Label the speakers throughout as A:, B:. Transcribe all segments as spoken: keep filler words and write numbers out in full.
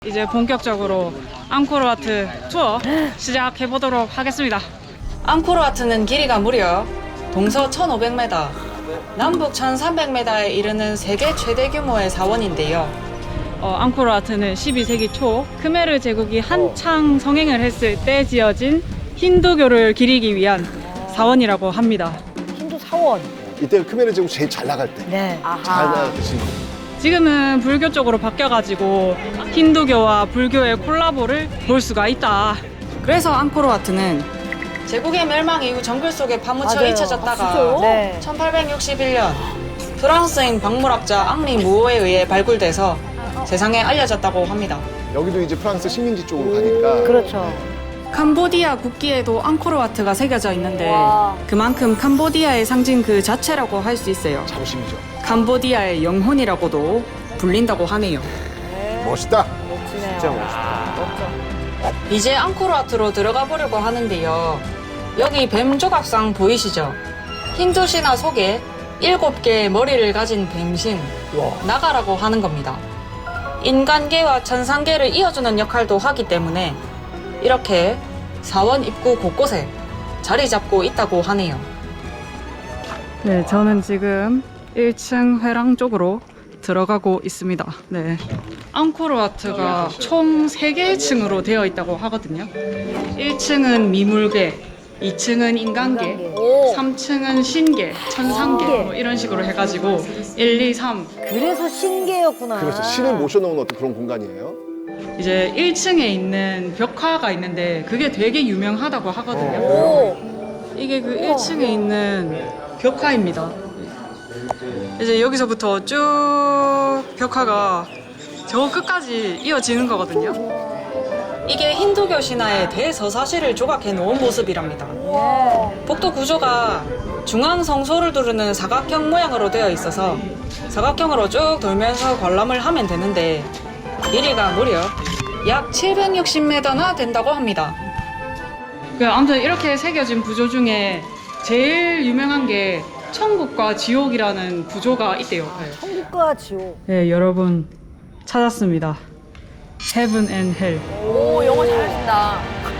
A: 이제 본격적으로 앙코르와트 투어 시작해 보도록 하겠습니다. 앙코르와트는 길이가 무려 동서 천오백 미터, 남북 천삼백 미터에 이르는 세계 최대 규모의 사원인데요. 어, 앙코르와트는 십이 세기 초 크메르 제국이 한창 성행을 했을 때 지어진 힌두교를 기리기 위한 사원이라고 합니다.
B: 힌두 사원.
C: 이때 크메르 제국 제일 잘 나갈 때.
B: 네.
C: 잘 나갈 때 지금.
A: 지금은 불교 쪽으로 바뀌어가지고 힌두교와 불교의 콜라보를 볼 수가 있다. 그래서 앙코르와트는 제국의 멸망 이후 정글 속에 파묻혀
B: 맞아요.
A: 잊혀졌다가
B: 아, 진짜요? 네.
A: 천팔백육십일 년 프랑스인 박물학자 앙리 무어에 의해 발굴돼서 세상에 알려졌다고 합니다.
C: 여기도 이제 프랑스 식민지 쪽으로 가니까.
B: 그렇죠.
A: 캄보디아 국기에도 앙코르와트가 새겨져 있는데
B: 와.
A: 그만큼 캄보디아의 상징 그 자체라고 할 수 있어요.
C: 자부심이죠.
A: 캄보디아의 영혼이라고도 불린다고 하네요.
C: 멋있다.
B: 멋지네요. 진짜 멋있다. 멋져.
A: 이제 앙코르와트로 들어가 보려고 하는데요. 여기 뱀 조각상 보이시죠? 힌두 신화 속에 일곱 개의 머리를 가진 뱀신 나가라고 하는 겁니다. 인간계와 천상계를 이어주는 역할도 하기 때문에 이렇게 사원 입구 곳곳에 자리 잡고 있다고 하네요. 네, 저는 지금 일 층 회랑 쪽으로 들어가고 있습니다. 네. 앙코르와트가 총 세 개의 층으로 되어 있다고 하거든요. 일 층은 미물계, 이 층은 인간계,
B: 오.
A: 삼 층은 신계, 천상계
B: 신계.
A: 뭐 이런 식으로 해가지고 일, 이, 삼
B: 그래서 신계였구나.
C: 그렇죠. 신을 모셔놓은 어떤 그런 공간이에요.
A: 이제 일 층에 있는 벽화가 있는데 그게 되게 유명하다고 하거든요.
B: 오.
A: 이게 그 일 층에 있는 벽화입니다. 이제 여기서부터 쭉 벽화가 저 끝까지 이어지는 거거든요. 이게 힌두교 신화의 대서사시를 조각해 놓은 모습이랍니다. 복도 구조가 중앙 성소를 두르는 사각형 모양으로 되어 있어서 사각형으로 쭉 돌면서 관람을 하면 되는데 길이가 무려 약 칠백육십 미터나 된다고 합니다. 그 아무튼 이렇게 새겨진 구조 중에 제일 유명한 게 천국과 지옥이라는 구조가 있대요.
B: 천국과 지옥.
A: 네, 여러분 찾았습니다. Heaven and Hell.
B: 오, 영어 잘하신다.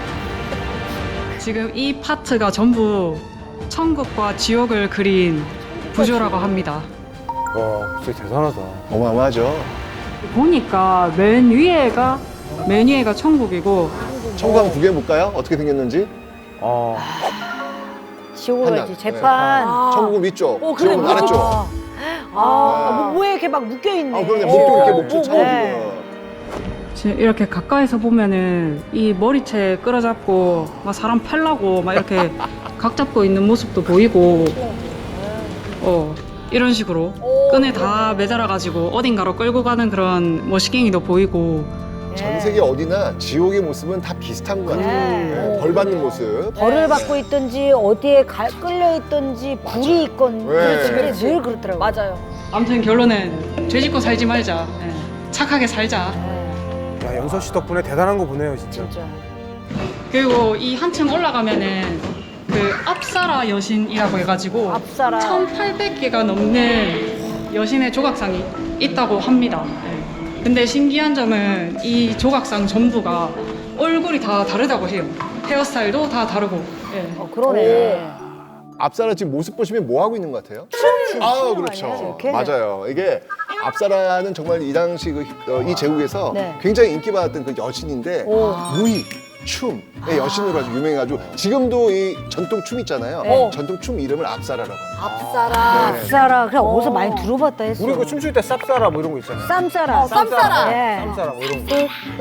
A: 지금 이 파트가 전부 천국과 지옥을 그린 구조라고 합니다.
D: 와, 진짜 대단하다.
C: 어마어마하죠.
A: 보니까 맨 위에가 맨 위에가 천국이고
C: 천국 한번 구경해볼까요? 어떻게 생겼는지.
D: 아,
B: 지옥으로
C: 판단.
B: 해야지. 재판.
C: 네. 천국은 위쪽,
B: 오, 그래,
C: 지옥은 아래쪽.
B: 아, 아, 뭐, 뭐에 이렇게 막 묶여있네.
C: 아, 그러네. 목도 이렇게 목줄
B: 오,
C: 차고
B: 네.
C: 지금.
A: 지금 이렇게 가까이서 보면은 이 머리채 끌어잡고 막 사람 팔라고 막 이렇게 각 잡고 있는 모습도 보이고 어 이런 식으로 끈에 다 매달아가지고 어딘가로 끌고 가는 그런 머시갱이도 보이고
C: 전 세계 어디나 지옥의 모습은 다 비슷한 것 같아요.
B: 네.
C: 네, 벌 받는 모습.
B: 벌을 받고 있든지 어디에 가, 끌려 있든지 불이 있건
C: 네.
B: 그렇지, 그렇지. 늘 그렇더라고요. 맞아요.
A: 아무튼 결론은 죄 짓고 살지 말자. 예. 착하게 살자.
D: 야, 연서 씨 덕분에 대단한 거 보네요, 진짜.
B: 진짜.
A: 그리고 이 한층 올라가면은 그 앞사라 여신이라고 해가지고
B: 앞사라.
A: 천팔백 개가 넘는 여신의 조각상이 있다고 합니다. 예. 근데 신기한 점은 이 조각상 전부가 얼굴이 다 다르다고 해요. 헤어스타일도 다 다르고. 예.
B: 어, 그러네.
C: 앞사라 지금 모습 보시면 뭐 하고 있는 것 같아요? 아,
B: 춤
C: 그렇죠.
B: 아니에요, 이렇게?
C: 맞아요. 이게 앞사라는 정말 이 당시 그, 어, 이 제국에서
B: 네.
C: 굉장히 인기받았던 그 여신인데
B: 오.
C: 무희, 춤의 여신으로 아주 유명해가지고 지금도 이 전통 춤 있잖아요.
B: 네.
C: 전통 춤 이름을 앞사라라고 합니다.
B: 앞사라.
C: 네.
B: 앞사라. 그냥 어디서 많이 들어봤다 했어.
D: 우리 그 춤출 때 쌉싸라 뭐 이런 거 있잖아요.
B: 쌈싸라.
D: 쌈싸라.
B: 네.
D: 쌈싸라 뭐 이런 거.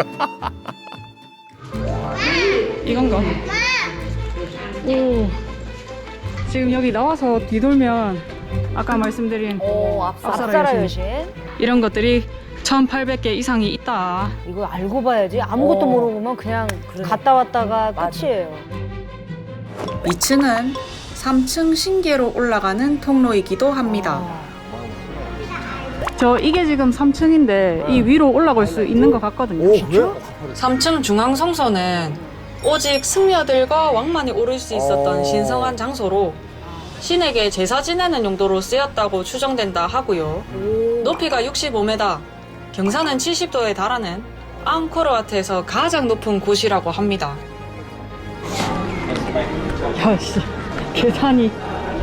A: 이건가? 오. 지금 여기 나와서 뒤돌면 아까 말씀드린
B: 오,
A: 앞사라
B: 앞사라
A: 여신.
B: 여신.
A: 이런 것들이 천팔백 개 이상이 있다.
B: 이거 알고 봐야지. 아무것도
D: 어.
B: 모르고만 그냥 갔다 왔다가 끝이에요.
A: 이 층은 삼 층 신계로 올라가는 통로이기도 합니다. 저 이게 지금 삼 층인데 이 위로 올라갈 수 있는 것 같거든요.
C: 오, 그래요?
A: 삼 층 중앙 성소는 오직 승려들과 왕만이 오를 수 있었던
D: 어.
A: 신성한 장소로 신에게 제사 지내는 용도로 쓰였다고 추정된다 하고요. 높이가 육십오 미터, 경사는 칠십 도에 달하는 앙코르와트에서 가장 높은 곳이라고 합니다. 야씨, 계단이.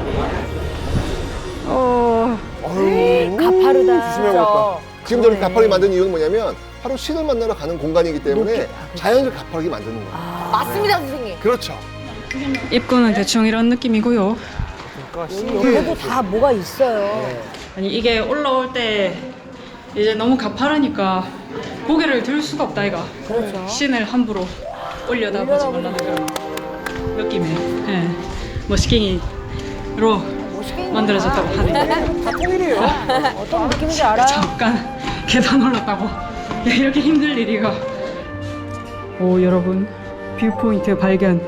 A: 어.
C: 어휴,
B: 가파르다.
D: 조심해야겠다.
C: 지금 저렇게 가파르게 만든 이유는 뭐냐면 바로 신을 만나러 가는 공간이기 때문에
B: 높게. 아, 그렇지.
C: 자연을 가파르게 만드는 거예요.
B: 아,
E: 맞습니다, 선생님.
C: 그렇죠.
A: 입구는 대충 이런 느낌이고요.
D: 그러니까
B: 옆에도 다 뭐가 있어요.
A: 아니 이게 올라올 때 이제 너무 가파르니까 고개를 들 수가 없다 이가.
B: 그렇죠.
A: 신을 함부로 올려다보지 말라는 그런 느낌의 예, 머스킹이로
B: 멋있게
A: 만들어졌다고 하네요.
D: 다 통일이에요.
B: 어떤 느낌인지 알아요?
A: 잠깐 계단 올랐다고 야, 이렇게 힘들 일이가. 오 여러분 뷰포인트 발견.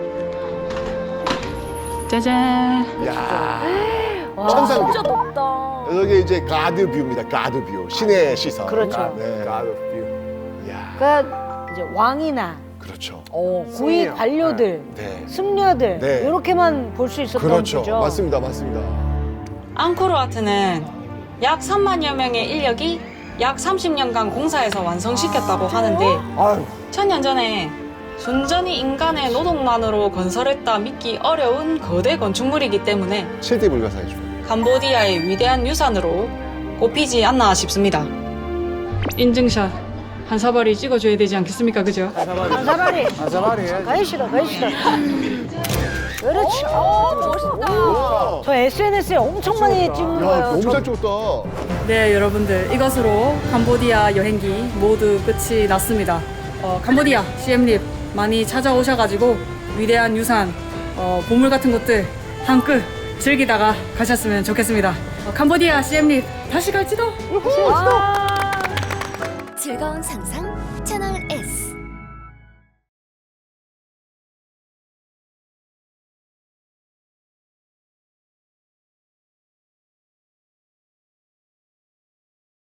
A: 짜잔.
C: 야
B: 와,
C: 천상계.
E: 진짜 높다.
C: 여기 이제 가드 뷰입니다. 가드 뷰. 신의 시선.
B: 그렇죠.
C: 네.
D: God of view.
C: 야
B: 그러니까 이제 왕이나
C: 그렇죠.
B: 어, 고위
D: 승리요.
B: 관료들,
C: 네.
B: 승려들
C: 네.
B: 이렇게만 볼 수 있었던
C: 그렇죠.
B: 거죠.
C: 맞습니다. 맞습니다.
A: 앙코르와트는 약 삼만여 명의 인력이 약 삼십 년간 공사해서 완성시켰다고 하는데
D: 아유,
A: 천년 전에 순전히 인간의 노동만으로 건설했다 믿기 어려운 거대 건축물이기 때문에
C: 칠 대 불가사의죠.
A: 캄보디아의 위대한 유산으로 꼽히지 않나 싶습니다. 인증샷 한 사발이 찍어줘야 되지 않겠습니까, 그죠?
B: 한사발이
D: 아자말이 해야지.
B: 가기 싫어, 가기 싫어. 그렇죠.
C: 와.
B: 저 에스엔에스에 엄청 많이
D: 찍었다.
B: 찍는
C: 야
B: 거예요.
C: 너무
B: 저-
C: 잘 찍었다.
A: 네, 여러분들 이것으로 캄보디아 여행기 모두 끝이 났습니다. 어, 캄보디아 시엠립 많이 찾아오셔가지고 위대한 유산, 어, 보물 같은 것들 한끗 즐기다가 가셨으면 좋겠습니다. 어, 캄보디아 시엠립 다시 갈지도.
E: 즐거운 상상